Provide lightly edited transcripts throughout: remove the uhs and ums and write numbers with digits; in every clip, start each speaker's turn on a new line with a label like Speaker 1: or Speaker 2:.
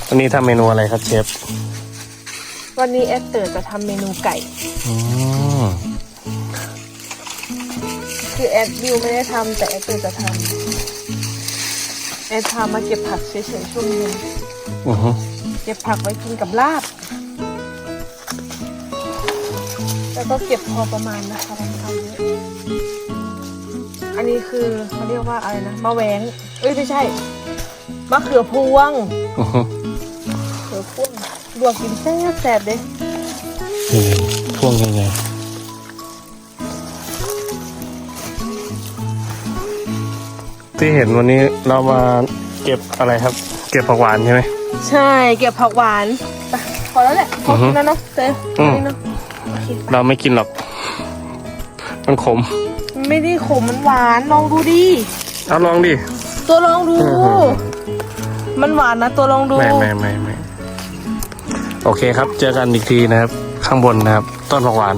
Speaker 1: วันนี้ทำเมนูอะไรครับเชฟ
Speaker 2: วันนี้แอดเตอร์จะทำเมนูไก่คือแอดบิวไม่ได้ทำแต่แอดเตอร์จะทำแอดพามาเก็บผักเฉยๆช่วงนี้เก็บผักไว้กินกับลาบแล้วก็เก็บพอประมาณนะคะทำเยอะอันนี้คือเขาเรียกว่าอะไรนะมะแหวงไม่ใช่มะเขือพวงเขือพวงลวกกินแซ่บๆเด้
Speaker 1: พวงยังไงที่เห็นวันนี้เรามาเก็บอะไรครับเก็บผักหวานใช่ไหม
Speaker 2: ใช่เก็บผักหวานพอแล้วแหละพอกินแล้วเนาะเจ๊นี่เนาะ
Speaker 1: เราไม่กินหรอกมันขม
Speaker 2: ไม่ได้ขมมันหวานลองดูดิ
Speaker 1: เอาลองดิ
Speaker 2: ตัวลองดูมันหวานนะตัวลองดู
Speaker 1: ไม่โอเคครับเจอกันอีกทีนะครับข้างบนนะครับต้นผักหวาน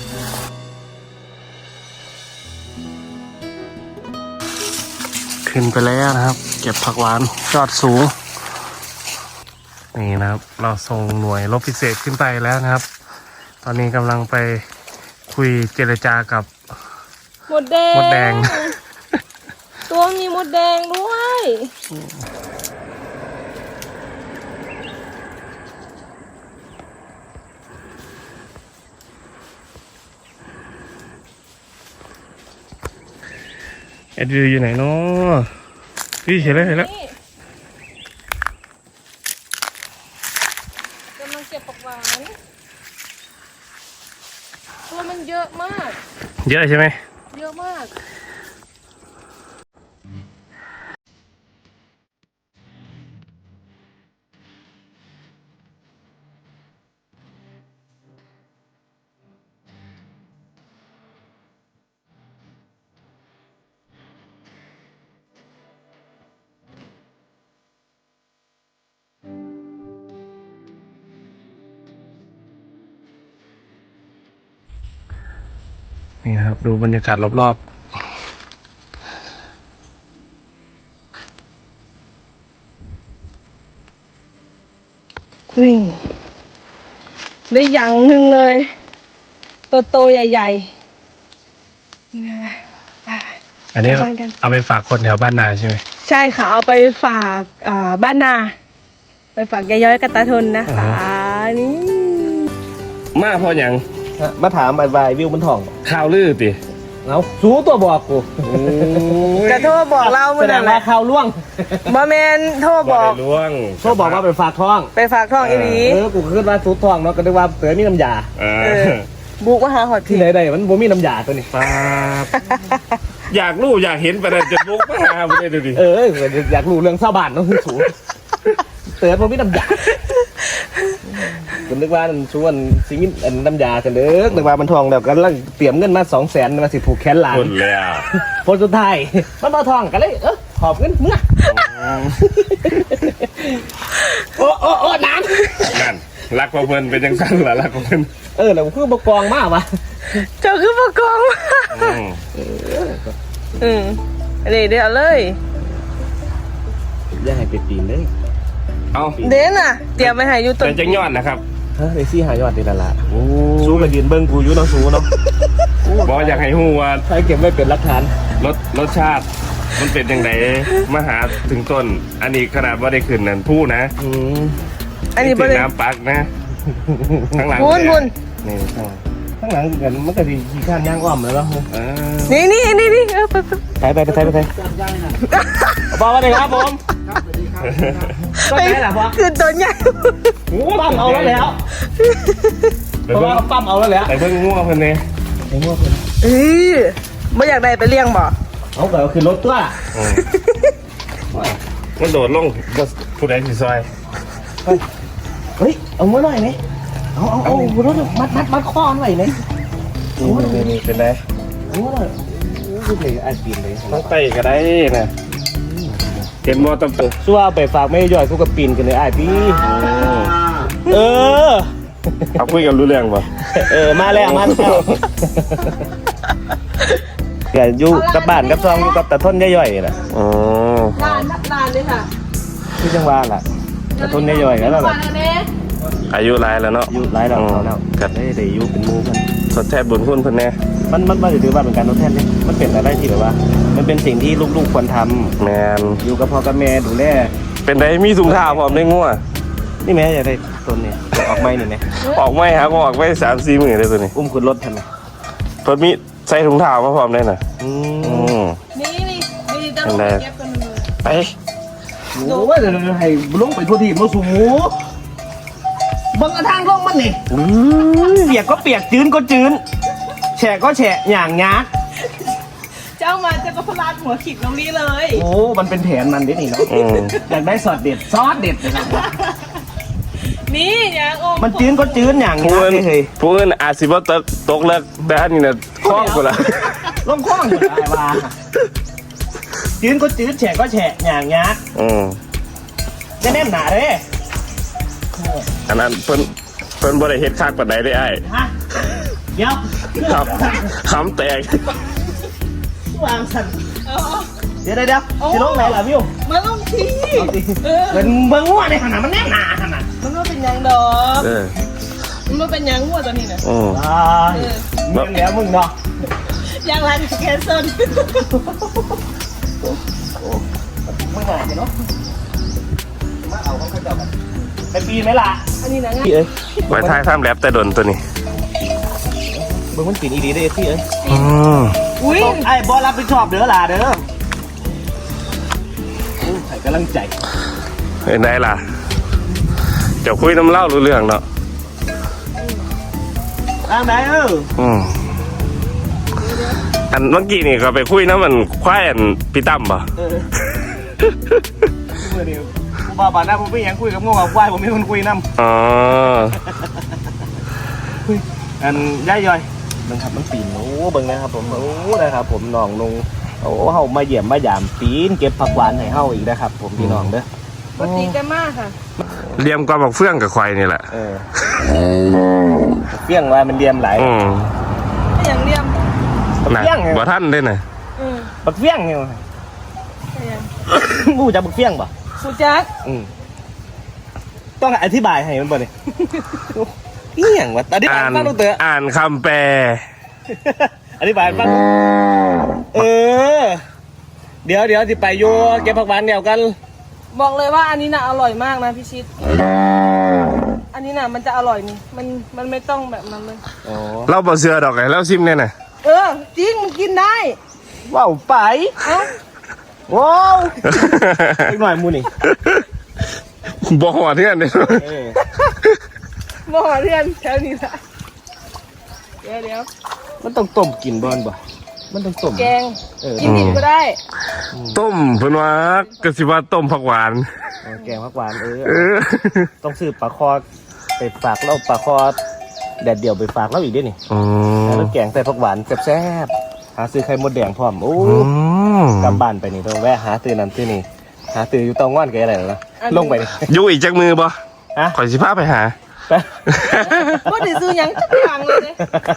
Speaker 1: ขึ้นไปแล้วนะครับเก็บผักหวานยอดสูงนี่นะครับเราส่งหน่วยรบพิเศษขึ้นไปแล้วนะครับตอนนี้กำลังไปคุยเจรจากับ
Speaker 2: มดแดงตัวมีมดแดงด้วย
Speaker 1: เอ็ดวิวอยู่ไหนเนาะพี่เห็นแล้ว
Speaker 2: กำลังเก็บผักหวานตัวมันเยอะมาก
Speaker 1: เยอะใช่ไหม
Speaker 2: เยอะมาก
Speaker 1: นี่นะครับดูบรรยากาศรอบ
Speaker 2: ๆนี่ได้อย่างหนึ่งเลยโตใหญ่
Speaker 1: ๆอันนี้เอาไปฝากคนแถวบ้านนาใช่ไหม
Speaker 2: ใช่ค่ะเอาไปฝากบ้านนาไปฝากยายย้อยกับตาทนนะคะนี่
Speaker 1: มาพออย่าง
Speaker 3: มาถามอะไรวิวมันถ่อง
Speaker 1: ข่าวลือติ
Speaker 3: เอาสูตัวบอกกู
Speaker 2: กระโทษบอกเราเมื่อไหร่
Speaker 3: ข่าวล่วง
Speaker 2: บะเมนโทษบอก
Speaker 3: โทษบอกว่าไปฝากท้อง
Speaker 2: อีหลี
Speaker 3: กูขึ้นว่าสูท้องเนาะก็นึกว่าเสือมีน้ำยา
Speaker 2: บุกมาหาหอด
Speaker 3: ที่ไหนได้มันบ่มีน้ำยาตัวนี้
Speaker 1: อยากรู้อยากเห็นไปแต่จะบุกมาหาไม่ได้ดูดิ
Speaker 3: อยากรู้เรื่องชาวบ้านเนาะสูเสือบ่มีน้ำยาผมนึกว่าชวนซิมิน้ำยาเฉลิมนึกว่ามันทองแล้วก็ลังเตรียมเงินมา200,000มาสิผูกแขนหลาน
Speaker 1: คนแล้ว
Speaker 3: ผลสุดท้ายมันมาทองกันเลยขอบเงินเมื่อโอ้น้ำ
Speaker 1: นั่นรักพอเพิ่นเป็นยังสั้นเหรอรักพอเพิ่น
Speaker 3: แล้วคือบกองมากวะ
Speaker 2: เจ้าคือบกองนี่เดี๋ยวเลย
Speaker 3: อย่าให้ไปปีนเลย
Speaker 1: เอา
Speaker 2: เด่นอ่ะเตรียมไปหาอยู่ต้น
Speaker 1: จังยอดนะครับ
Speaker 3: เดี๋ยวซี่หายอดดีละสู้กับยืนเบิ้งกูอยู่น้องสู้เนาะ
Speaker 1: บอกอยากให้ฮู้ว่า
Speaker 3: ใช้เก็บไว้เป็นหลักฐาน
Speaker 1: รสชาติมันเป็นยังไงมาหาถึงต้นอันนี้ขนาดว่าได้ขึ้นนั่นพูดนะ
Speaker 2: อันนี้เป็น
Speaker 1: น้ำปักนะข้างหลัง
Speaker 3: นี่ข้างหลังกันมันก็ดีขี้ข้านย่างอ้อมแล้วเนาะ
Speaker 2: นี่
Speaker 3: ไปบอกว่าไงครับผม
Speaker 2: ไปคือตัวใหญ่
Speaker 3: ปั๊มเอาแล้วเพราะว่าปั๊มเอาแล้ว
Speaker 1: ไปเพิ่งง่วงเพิ่นเนี่ย
Speaker 2: ไม่อยากได้ไปเลี้ยงบ่
Speaker 3: เอาแบบคือรถตัว
Speaker 1: มันโดดลงผู้ใดสิซอย
Speaker 3: เฮ้ยเอามือหน่อยไหมเอารถมัดข้อหน่อยไหม
Speaker 1: นี่เป็นไร
Speaker 3: คือเลยไอ้ปีนเลย
Speaker 1: ตั้งไตก็ได้นะเห็นมอตำตัว
Speaker 3: สู้เอาไปฝากไม่ย่อยกูกับปีนกันเลยไอ้พี่
Speaker 1: เขาคุยกันรู้เรื่องป่ะ
Speaker 3: มาแล้วเดี๋ยวอยู่กับบ้านกับซองอยู่กับตะท่นย่อยๆนะ
Speaker 2: ลานเลยค่ะ
Speaker 3: ที่จังหวัดล่ะกระตุ้นย่อยๆแล้วล่ะ
Speaker 1: อายุหลายแล้วเนาะ
Speaker 3: อายุหลายแล้วแล้วกัดได้อายุเป็นหมู่กัน
Speaker 1: ทดแทนบุญคุณเพิ่นแน่
Speaker 3: มันถือว่าเป็นการทดแทนนี่มันเป็นอะไรที่แบบว่า มันเป็นสิ่งที่ลูกๆควรทำ
Speaker 1: แมน
Speaker 3: อยู่กับพ่อกับแม่ดูแล
Speaker 1: เป็นไดมีถุงเท้าพร้อมได้งัว
Speaker 3: นี่แม่จะได้ต้นนี่ออกไม้นี่ไหม
Speaker 1: ออกไม่ครับออกไม่3-4มื้อเลยตัวนี้
Speaker 3: อุ้มขึ้นรถทันไหม
Speaker 1: เพิ่นมีใส่ถุงเท้ามาพร้อมได้น่ะ
Speaker 3: อื
Speaker 1: อื
Speaker 3: ม
Speaker 1: ม
Speaker 2: นี่จะลงเก็บกันเลย
Speaker 1: ไป
Speaker 3: โอ้ว่าจะให้ลงไปทั่วที่มาสูบังกระทางลงมันนี่เปียกก็เปียกจืนก็จืนแฉะก็แฉะอย่างงัก
Speaker 2: เจ้ามาเจ้าก็พลาดหัวขิดตรงนี้เลย
Speaker 3: โอ้มันเป็นแผนมันดินี่เนาะ
Speaker 1: อืม
Speaker 3: อยากได้ซอสเด็ดนะครับ
Speaker 2: นี่อย่างโอม
Speaker 3: มันจืนก็จืนอย่าง
Speaker 1: ผู้
Speaker 3: งัก
Speaker 1: อื่น
Speaker 3: เฮ้ย
Speaker 1: ผู้อื่นอาจสิบ่ตกเลิกแต่อันนี้น่ะคล้องกูละ
Speaker 3: ลงคว้างอยู่ไอ้ว่าจืนก็จืนแฉะก็แฉะอย่างงัก
Speaker 1: อืม
Speaker 3: จะแนบหนาเด้
Speaker 1: อันนั้นเพิ่นบ่ได้เฮ็ดคักปานใดได้อ้าย
Speaker 3: ฮะเดี๋ยว
Speaker 1: ครับคำแตก
Speaker 3: วางสั่น
Speaker 2: เอา
Speaker 3: เดี๋ยวสิลงไหนล่ะวิว
Speaker 2: มาลงที
Speaker 3: เอาสิเป็นเบิ้งงัวในขนาดมันแนบหนาขนาด
Speaker 2: มันไม่เป็นหยังดอก
Speaker 1: เออ
Speaker 2: มันไม่เป็นหยังหัวตัวนี้นะ
Speaker 1: อืม
Speaker 3: มึงแล้วมึงเนาะ
Speaker 2: ยังรันแคนเซิล
Speaker 3: มึงหนาเนาะมาเอาของเขาเจ้ากันไปปีไหมล่ะ
Speaker 2: อันนี้นะ
Speaker 3: พี่เอ้ย
Speaker 1: ไว้ท้ายทำแรปแต่ดนตัวนี้
Speaker 3: เบิ้งมันปีนอีดีได้พี่เอ้ย
Speaker 1: อืม
Speaker 2: อุ้ย
Speaker 3: ไอ้บอลรับผิดชอบเด้อล่ะเด้อใส่กำลังใจ
Speaker 1: เห็นได้ล่ะเดี๋ยวคุยน้ำเล่ารู้เรื่องเนาะ
Speaker 3: ทางไหน
Speaker 1: อืมอันเมื่อกี้นี่ก็ไปคุยน้ำมันควายอันพี่ตั้มป่ะ
Speaker 3: เมื่อเดียวผมว่าบ้านหน้าผมไม่ยังคุยกับงงกับควายผมไม่คนคุยน้ำ
Speaker 1: อ๋อ
Speaker 3: อันย่ายย่อยเบิ่งครับมันปีนโอ้เบิ่งนะครับผมโอ้นะครับผมน้องลงโอ้เฮามาเยี่ยมมายามปีนเก็บผักหวานให้เฮาอีกนะครับผมพี่น้องเด้อ
Speaker 2: ปกติกันมากค่ะ
Speaker 1: เลียมก็บอกเฟื่องกับควายนี่แหละ
Speaker 3: เฟี้ยงว่ามันเดียมหลาย
Speaker 1: อืม
Speaker 2: ไม่อย่างเลี่ยม
Speaker 1: น่ะ
Speaker 3: เฟี้ยงไง
Speaker 1: บ่ท่านได้น่ะ
Speaker 3: บักเฟี้ยงเนี่ย
Speaker 2: ไม่อย่าง
Speaker 3: บูจะบักเฟี้ยงป่ะ
Speaker 2: สุจัก
Speaker 3: ต้องอธิบายให้มันบ่เนี่ยเฟี้ยงวะอธิบาย
Speaker 1: อ่าน
Speaker 3: ฟังดูเตอะ
Speaker 1: อ่านคำแปล
Speaker 3: อธิบายฟังเดี๋ยวสิไปโยเก็บผักหวานเดียวกัน
Speaker 2: บอกเลยว่าอันนี้น่ะอร่อยมากนะพี่ชิด อันนี้น่ะมันจะอร่อยนี่ มันไม่ต้องแบบนั้นเลย
Speaker 3: อ๋อ
Speaker 1: เราบ่เสือดอกไงเราซิมเนี่ยน่ะ
Speaker 2: จริงมันกินได้
Speaker 3: ว้าวไป
Speaker 2: เอ้า
Speaker 3: ว้าวอีกหน่อยมูนี่
Speaker 1: บ่หัวเทื่อนเลย
Speaker 2: บ่อเรียนแถวนี้ละเดี๋ยว
Speaker 3: มันต้องต้มกินบอลบ่มันต้องต้ม
Speaker 2: แกง
Speaker 3: เออ
Speaker 2: กินดิบก็ได้
Speaker 1: ต้มเพิ่นว่ากสิว่าต้มผักหวาน
Speaker 3: แกงผักหวาน
Speaker 1: เออ
Speaker 3: ต้องซื้อปลาคอไปฝากแล้วปลาคอแดดเดี่ยวไปฝากแล้วอีกด้วยนี่
Speaker 1: อืม
Speaker 3: แล้วแกงใส่ผักหวานแซ่บๆหาซื้อไข่มดแดงพร้อมโอ้
Speaker 1: อืม
Speaker 3: กลับบ้านไปนี่ต้องแวะหาตื่นนั่นตื่นนี่หาตื่นอยู่ตองว่านแกอะไรนะลงไปนี่
Speaker 1: อยู่อีกจักมือบ่
Speaker 3: ฮะ
Speaker 1: ข่อยสิพาไปหา
Speaker 3: ไป
Speaker 2: บ่ได้ซื้อหยังจักอย่างเลยเด้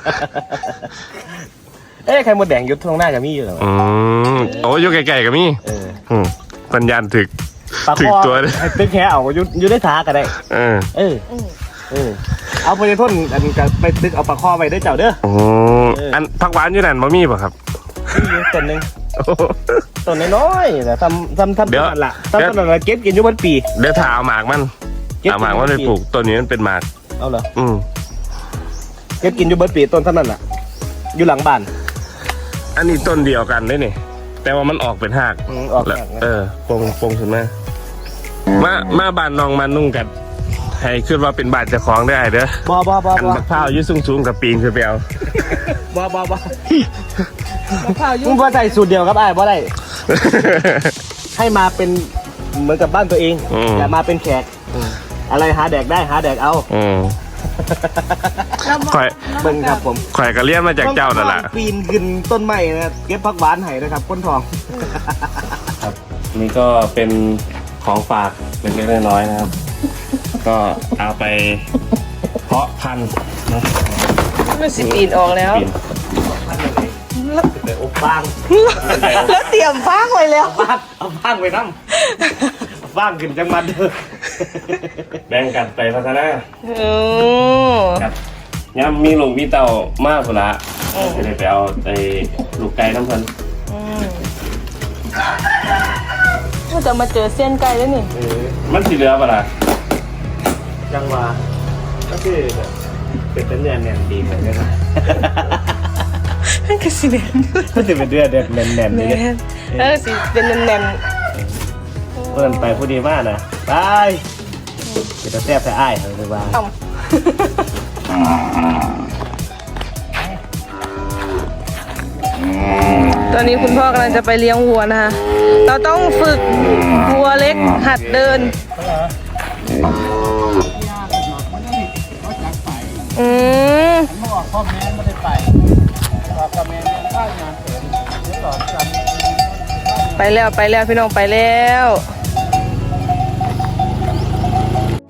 Speaker 3: เอ้ยไข่มดแดงอยุดตรงหน้ากับมี่อยู่เหรอ
Speaker 1: อืมโอ้อยู่ไกลๆกับมี่
Speaker 3: เออ
Speaker 1: อืมปัญญาณถึก
Speaker 3: ปลา
Speaker 1: ถึ
Speaker 3: ค
Speaker 1: ก
Speaker 3: อ
Speaker 1: ตัวเลย
Speaker 3: ให้เป็นแค่เอาอยู่ได้ท้าก็ได้
Speaker 1: เออ
Speaker 3: เออเอาไปพ่นอันจะไปตึกเอาปลาคอไปได้อเจ้าเด้อ
Speaker 1: โอ้อันผักหวานอยู่นั่นบ่มีป่ะครับ
Speaker 3: นี่อยู่ต้นหนึง
Speaker 1: โอ้
Speaker 3: ต้นน้อยๆแต่ทำ
Speaker 1: เดี๋ยว
Speaker 3: ต้นละต้นละเก็บกินอยู่บนปี
Speaker 1: เดี๋ยวถ้าเอาหมากมัน
Speaker 3: เก็บ
Speaker 1: เอาหมากมันไปปลูกต้นนี้มันเป็นหมาก
Speaker 3: เอาเหรอ
Speaker 1: อืม
Speaker 3: เก็บกินอยู่บนปีต้นเท่านั้นแหละอยู่หลังบ้าน
Speaker 1: อันนี้ต้นเดียวกันได้นี่ แต่ว่ามันออกเป็นหาก
Speaker 3: ออก
Speaker 1: แล้ว
Speaker 3: จาก
Speaker 1: ปงขึ้นมาบ้านน้องมานุ่งกันให้ขึ้นว่าเป็นบ้านเจ้าของได้เด้อ
Speaker 3: บ่
Speaker 1: อันบักพร้าวอยืดสูงๆกับปีนขึ้นไปเอา
Speaker 3: บ่
Speaker 2: มะพร้าว
Speaker 3: มึ
Speaker 2: ยุ่
Speaker 3: ง
Speaker 2: ง
Speaker 3: บ่ใส่สูตรเดียวครับไอ้บ่ได้ ให้มาเป็นเหมือนกับบ้านตัวเอง
Speaker 1: อืม
Speaker 3: อย่ามาเป็นแขกอะไรหาแดกได้หาแดกเอา
Speaker 1: อืม
Speaker 2: แล้วมา
Speaker 1: ข่อย
Speaker 3: เบิ่งครับผม
Speaker 1: ข่อยก็เลี้ยนมาจากเจ้านั่นแหละ
Speaker 3: ปีนขึ้นต้นไม้นะเก็บผักหวานให้นะครับก้นทอง
Speaker 1: ครับนี่ก็เป็นของฝากเล็กๆน้อยๆนะครับ ก็เอาไปเพาะพันธุ์นะ
Speaker 2: มันสิปีนออกแล้ว
Speaker 1: ปีน
Speaker 3: เดี๋ยวอบฟาง
Speaker 2: แล้วเตรียมฟางไว้แล้ว
Speaker 3: เอาฟางไปน้ำเอาฟางขึ้นจังมันเด้อ
Speaker 1: แบ่งกันไปพัฒนา
Speaker 2: โอ้
Speaker 1: ครับย่ำมีลูกมีเต่ามากพุ่นละจะได้ไปเอาไอ้ลูกไก่น้ำเพิ่น
Speaker 2: ก็จะมาเจอเส้นไก่แล้วนี่
Speaker 1: มันสิเหลือปะล่ะ
Speaker 3: จังหวะก็คือแบบเป็นเนื้อแน่นดีเหมือนกันนะ
Speaker 2: นั่นคือสีแดง
Speaker 3: ก็จะเป็นเนื้อแน่น
Speaker 2: แน่
Speaker 3: ๆเลย
Speaker 2: นแล้วสีเป็นแน่น
Speaker 3: เพื่อนไปผู้ดีมากนะไปจะแซ่บแต่อ้ายเขาเลยว่า
Speaker 2: ๆต่ำตอนนี้คุณพ่อกำลังจะไปเลี้ยงวัวนะคะเราต้องฝึกวัวเล็กหัดเดินอืมไปแล้วพี่น้องไปแล้ว